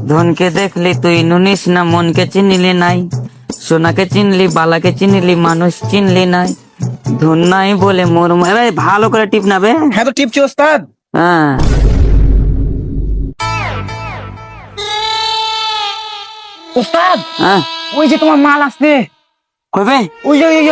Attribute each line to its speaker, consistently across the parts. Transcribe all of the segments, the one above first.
Speaker 1: ধনকে দেখলি তুই নুনিস না, মনকে চিনিলি নাই, সোনাকে চিনলি বালাকে চিনিলি, মানুষ চিনলি নাই, ধন নাই বলে মোর ভালো করে টিপ নাবে।
Speaker 2: হ্যাঁ তো টিপছি ওস্তাদ।
Speaker 1: হ্যাঁ
Speaker 2: ওস্তাদ
Speaker 1: হ্যাঁ
Speaker 2: ওই যে তোমার মাল আসছে,
Speaker 1: কবে
Speaker 2: ওই যে ওই যে।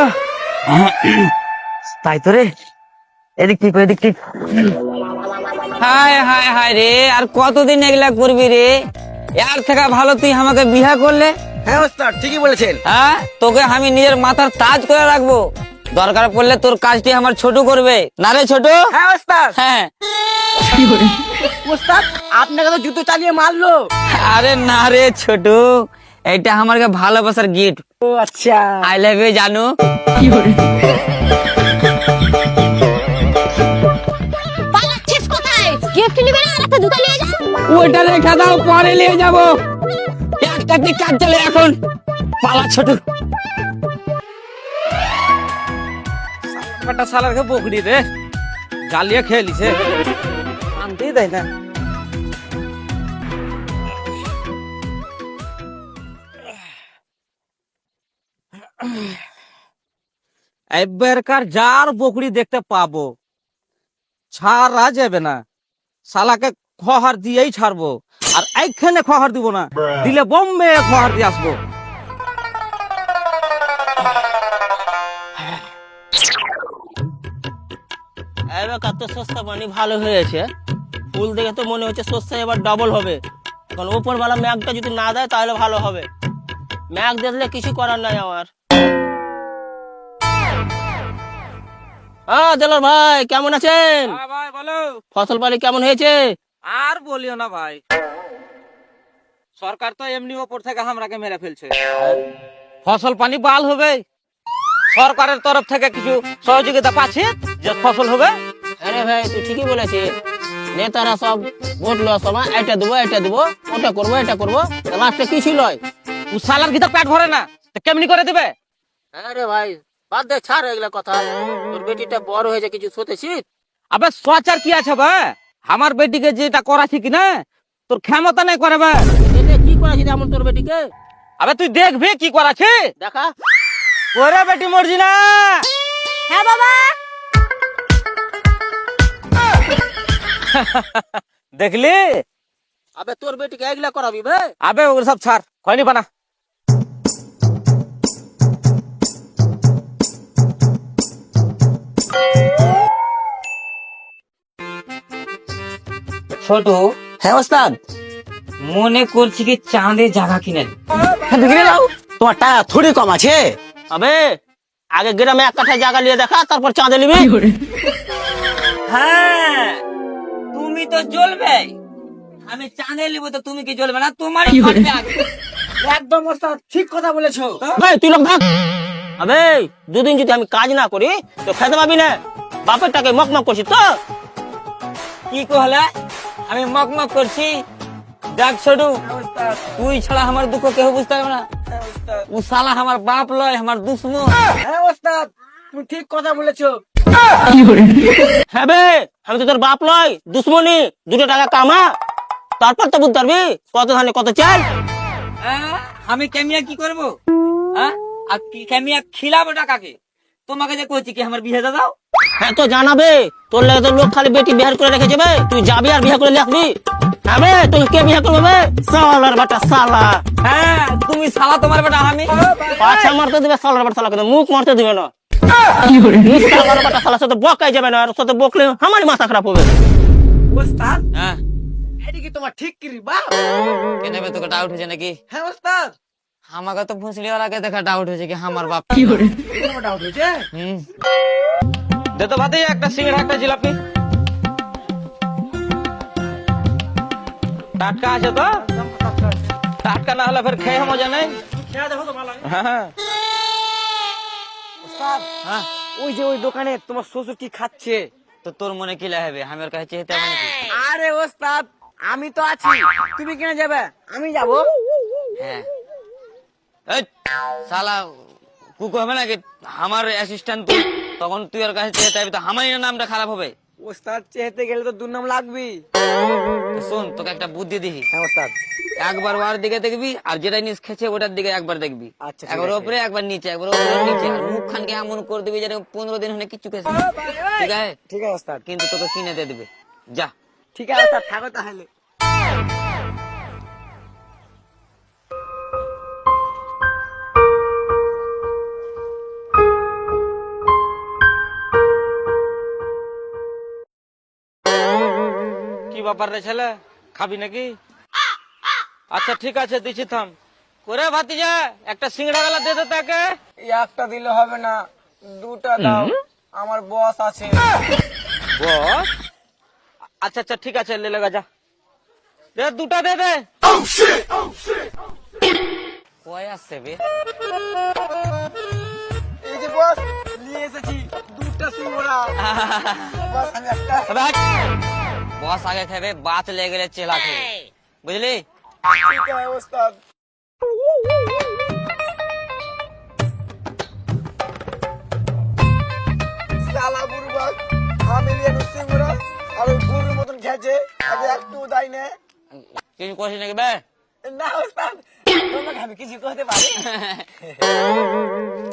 Speaker 1: তাই তো রে, এদিক টিপ এদিক টিপ। হায় হায় হায় রে, আর কতদিন এগুলা করবি রে? এর থেকে ভালো তুই আমাকে বিয়া করলে।
Speaker 2: হ্যাঁ ওস্তাদ ঠিকই বলেছেন।
Speaker 1: হ্যাঁ, তোকে আমি নিজের মাথার তাজ করে রাখবো, দরকার পড়লে তোর কাজটি আমার ছোট করবে না রে ছোট।
Speaker 2: হ্যাঁ ওস্তাদ।
Speaker 1: হ্যাঁ
Speaker 2: ওস্তাদ আপনাকে তো জুতো চালিয়ে মারলো।
Speaker 1: আরে না রে ছোট, এটা আমার ভালোবাসার গিফট।
Speaker 2: ও আচ্ছা।
Speaker 1: আই লাভ ইউ জানু।
Speaker 3: পালাচ্ছিস কোথায়? গিফট নিবে না, একটা জুতা নিয়ে যা।
Speaker 1: ওইটা রেখে দাও, পরে নিয়ে যাবো। একটা কি কাজ চলে এখন, পালা ছোট।
Speaker 2: একটা শালারকে বকরি রে, জ্বালিয়ে খেয়ে লিছে, শান্তি দেয় না। এবারকার যার বকরি দেখতে পাবো, ছাড়া যাবে না। শালাকে খহার দিয়েই ছাড়বো, আর এইখানে খহার দিব না, দিলে বোম্বে খহার দিয়ে আসবো।
Speaker 4: এবার তো সস্তা পানি ভালো হয়েছে, ফুল দেখে তো মনে হচ্ছে সস্তা এবার ডবল হবে। এখন ওপরওয়ালা ম্যাগটা যদি না দেয় তাহলে ভালো হবে, ম্যাগ দেখলে কিছু করার নাই আমার। হ্যাঁ দেলোর ভাই, কেমন আছেন?
Speaker 2: ভাই বলো।
Speaker 4: ফসল পানি কেমন হয়েছে?
Speaker 2: আর বলিও না ভাই, সরকার তো এমনি ওপর থেকে আমরাকে মেরে ফেলছে। ফসল পানি বাল হবে, সরকারের তরফ থেকে কিছু সহযোগিতা পাচ্ছে যে ফসল হবে।
Speaker 4: আরে ভাই তুই ঠিকই বলেছিস, নেতারা সব ভোট লওয়ার সময় এটা দেবো এটা দেবো, ওটা করবো এটা করবো, লাস্টে কিছু লয়।
Speaker 2: ও সালার ভিতর পেট ভরে না, তো কেমনি করে দেবে?
Speaker 4: আরে ভাই বাদ দে, ছাড় এগুলা কথা। তোর বেটিটা বড় হয়েছে, কিছু শুতেছিস?
Speaker 2: আবে সচার কি আছে ভাই, আমার বেটিকে যেটা করাছি কি না, তোর ক্ষমতা নাই করাবে।
Speaker 4: এটা কি করেছিস এমন তোর বেটিকে?
Speaker 2: আবে তুই দেখবি কি করাছে।
Speaker 4: দেখা।
Speaker 2: ওরে বেটি মরজি না।
Speaker 3: হ্যাঁ বাবা।
Speaker 2: দেখলি?
Speaker 4: আবে তোর বেটিকে এগুলা করাবি বে?
Speaker 2: আবে ওগুলো সব ছাড়, খয়নি বানা।
Speaker 1: ছোট,
Speaker 4: হ্যাঁ ওস্তাদ।
Speaker 1: মনে করছি কি চাঁদে জায়গা কিনেন।
Speaker 4: তোমার টাকা থোড়ি কম আছে। আবে আগে গ্রামে এক কাঠা জায়গা নিয়ে দেখা, তারপর চাঁদে নিবি।
Speaker 1: হ্যাঁ, তুমি তো জ্বলবে, আমি চাঁদে নিব তো তুমি কি জ্বলবে না? তোমারই ফাটবে আগে।
Speaker 2: একদম ওস্তাদ ঠিক কথা বলেছো।
Speaker 4: ভাই তুই লোক থাক। আবে দুদিন যদি আমি কাজ না করি তো খেতে পাবি না, বাপের টাকে মকমক করছিস তো।
Speaker 1: কি কহলে? আমি মকমক করছি? দেখ ছোটু, তুই ছাড়া আমার দুঃখ কেউ বুঝতে পারবে না। ও শালা আমার বাপ লয়, আমার দুশ্মন।
Speaker 2: হ্যাঁ ওস্তাদ তুমি ঠিক কথা বলেছো।
Speaker 4: হ্যাঁ বে, আমি তো তোর বাপ লয়, দুশ্মনী। দুটো টাকা কামা, তারপর তো বুঝতে পারবি কত ধানে কত চাল।
Speaker 1: আমি কেমিয়া কি করবো? হ্যাঁ, আর কি কেমিয়া খিলাবো টাকাকে? তোমাকে যে কইছি কি আমার বিয়ে দাও।
Speaker 4: হ্যাঁ তো জানাবে, তোর লাগে তো লোক খালি বেটি বিহার করে রেখে যাবে, তুই যাবি আর বিয়ে করে লিখবি। হ্যাঁ বে, তোকে কে বিয়ে করবে বে? সালার বাটা সালা।
Speaker 1: হ্যাঁ, তুমি শালা, তোমার বেটা আমি।
Speaker 4: পাছা মারতে দিবে সালার বাটা সালা, কিন্তু মুখ মারতে দিবে না। সালার বাটা সালার সাথে বকাই যাবে না, আর সাথে বকলে আমারই মাথা খারাপ হবে।
Speaker 2: ওস্তাদ
Speaker 1: হ্যাঁ,
Speaker 2: এটি কি তোমার ঠিক কি বা?
Speaker 1: কেন বে, তোকে ডাউট হয়েছে নাকি?
Speaker 2: হ্যাঁ ওস্তাদ
Speaker 1: আমাকে তো ভুসলিওয়ালাকে দেখা ডাউট হয়েছে কি আমার বাপ।
Speaker 2: তোমার ডাউট হয়েছে।
Speaker 1: হুম,
Speaker 2: দে তো ভাতে একটা সিঙ্গাড়া একটা জিলাপি। টাটকা আছে তো? টাটকা না হলে ফের খেয়ে মজা নেই। হ্যাঁ ওস্তাদ,
Speaker 1: হ্যাঁ,
Speaker 2: ওই যে ওই দোকানে তোমার শ্বশুর কি খাচ্ছে।
Speaker 1: তো তোর মনে কি লাগবে আমি ওর কাছে চেয়ে তেমন কি?
Speaker 2: আরে ওস্তাদ আমি তো আছি, তুমি কেন যাবে? আমি যাব।
Speaker 1: হ্যাঁ, এই শালা কুকু হবে নাকি আমার অ্যাসিস্ট্যান্ট? তখন তুই ওর কাছে চেয়ে চাইবি তো আমারই নামটা খারাপ হবে।
Speaker 5: ওস্তাদ চেহাতে গেলে তো দুর্নাম লাগবেই।
Speaker 1: তো শোন, তোকে একটা বুদ্ধি দিই।
Speaker 5: হ্যাঁ ওস্তাদ।
Speaker 1: একবার ওর দিকে দেখবি, আর যেটা নিচ খেছে ওটার দিকে একবার দেখবি।
Speaker 5: আচ্ছা, ঠিক
Speaker 1: একবার
Speaker 5: আছে।
Speaker 1: উপরে একবার নিচে, একবার উপরে নিচে, আর মুখ খানকে এমন করে দিবি যেন 15 দিন হলে কিছু খেয়েছে। ঠিক আছে?
Speaker 5: ঠিক আছে ওস্তাদ।
Speaker 1: কিন্তু তোকে কিনে দিয়ে দেবে। যা।
Speaker 5: ঠিক আছে ওস্তাদ, থাকো তাহলে।
Speaker 2: কি ব্যাপার রে ছেলে, খাবি নাকি? আচ্ছা ঠিক আছে, দিচ্ছি, থাম। করে ভাতিজা একটা সিঙ্গড়া গেলা দে দে তাকে।
Speaker 5: একটা দিলে হবে না, দুটা দাও, আমার বস আছে।
Speaker 2: বস? আচ্ছা আচ্ছা ঠিক আছে, লে লাগা, যা দে, দুটা দে দে।
Speaker 1: কয় আসছে বে?
Speaker 5: এই যে বস, নিয়ে এসেছি দুটা সিঙ্গড়া। বস আমি একটা।
Speaker 1: বস আগে খাবে, বাত লেগে গেলে চেলা খাবে, বুঝলি?
Speaker 5: ঠিক আছে ওস্তাদ। শালা বুড়বাক, আমি নিয়ে সিঙ্গড়া আর ওই বুড়ির মতন খেয়েছে, আগে একটু দেয় না।
Speaker 1: কিছু করছিস নাকি বে?
Speaker 5: না ওস্তাদ, তোমাকে আমি কিছু করতে পারি।